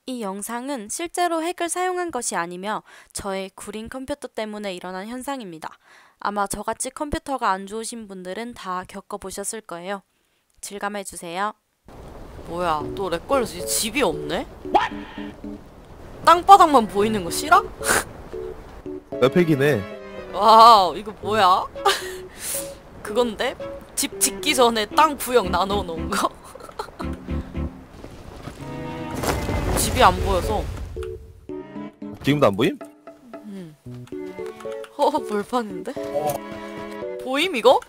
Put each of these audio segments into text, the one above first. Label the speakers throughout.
Speaker 1: 이 영상은 실제로 핵을 사용한 것이 아니며 저의 구린 컴퓨터 때문에 일어난 현상입니다. 아마 저같이 컴퓨터가 안 좋으신 분들은 다 겪어보셨을 거예요. 질감해주세요. 뭐야, 또 렉 걸려서 집이 없네? 땅바닥만 보이는 거 싫어?
Speaker 2: 맵팩이네.
Speaker 1: 와우, 이거 뭐야? 그건데? 집 짓기 전에 땅 구역 나눠 놓은 거? 집이 안 보여서.
Speaker 2: 지금도 안 보임?
Speaker 1: 벌판인데? 보임 이거?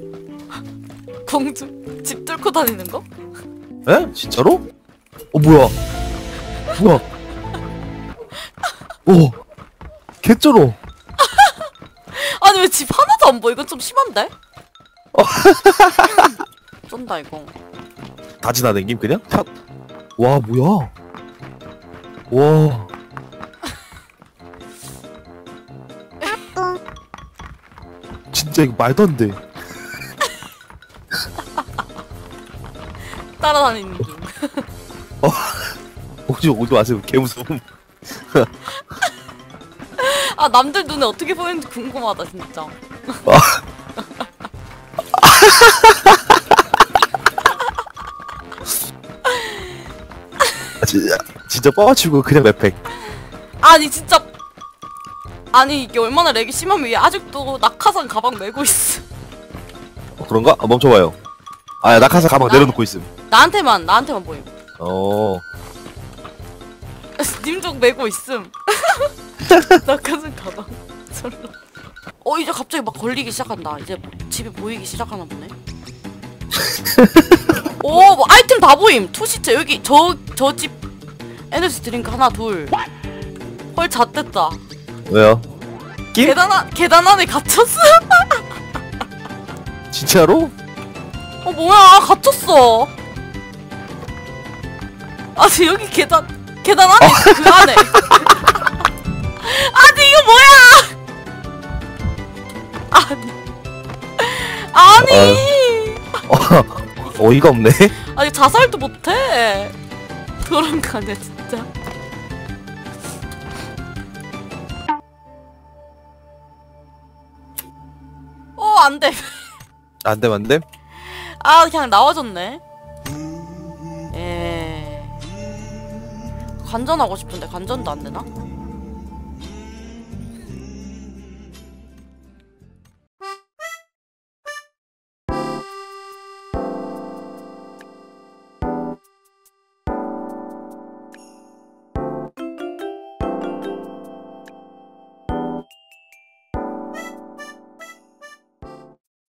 Speaker 1: 공주 집 뚫고 다니는 거?
Speaker 2: 에? 진짜로? 뭐야? 뭐야? 오, 개쩔어.
Speaker 1: 아니 왜 집 하나도 안 보여? 이건 좀 심한데? 쩐다 이거.
Speaker 2: 다 지나댕김 그냥? 샷. 와, 뭐야? 와. 진짜 이거 말도 안 돼.
Speaker 1: 따라다니는 중.
Speaker 2: 오지 마세요. 개 무서움.
Speaker 1: 아 남들 눈에 어떻게 보이는지 궁금하다 진짜.
Speaker 2: 진짜 뻥치고 그냥 맵팩.
Speaker 1: 아니 진짜. 아니 이게 얼마나 렉이 심하면 얘 아직도 낙하산 가방 메고 있어.
Speaker 2: 그런가? 멈춰봐요. 야, 낙하산 가방 내려놓고 있음.
Speaker 1: 나한테만 보임.
Speaker 2: 어.
Speaker 1: 님족 메고 있음. 낙하산 가방. 설마. 이제 갑자기 막 걸리기 시작한다. 이제 집이 보이기 시작하나 보네. 뭐 아이템 다 보임. 투시체 여기 저 집 에너지 드링크 하나 둘. 헐 잣됐다.
Speaker 2: 왜요? 낌?
Speaker 1: 계단 안에 갇혔어.
Speaker 2: 진짜로?
Speaker 1: 뭐야 갇혔어. 아니 여기 계단 안에 있어, 그 안에. 아니 이거 뭐야? 아니
Speaker 2: 어이가 없네.
Speaker 1: 아니 자살도 못해. 그런 거네 진짜. 안돼.
Speaker 2: 안 돼.
Speaker 1: 그냥 나와줬네. 관전하고 싶은데 관전도 안 되나?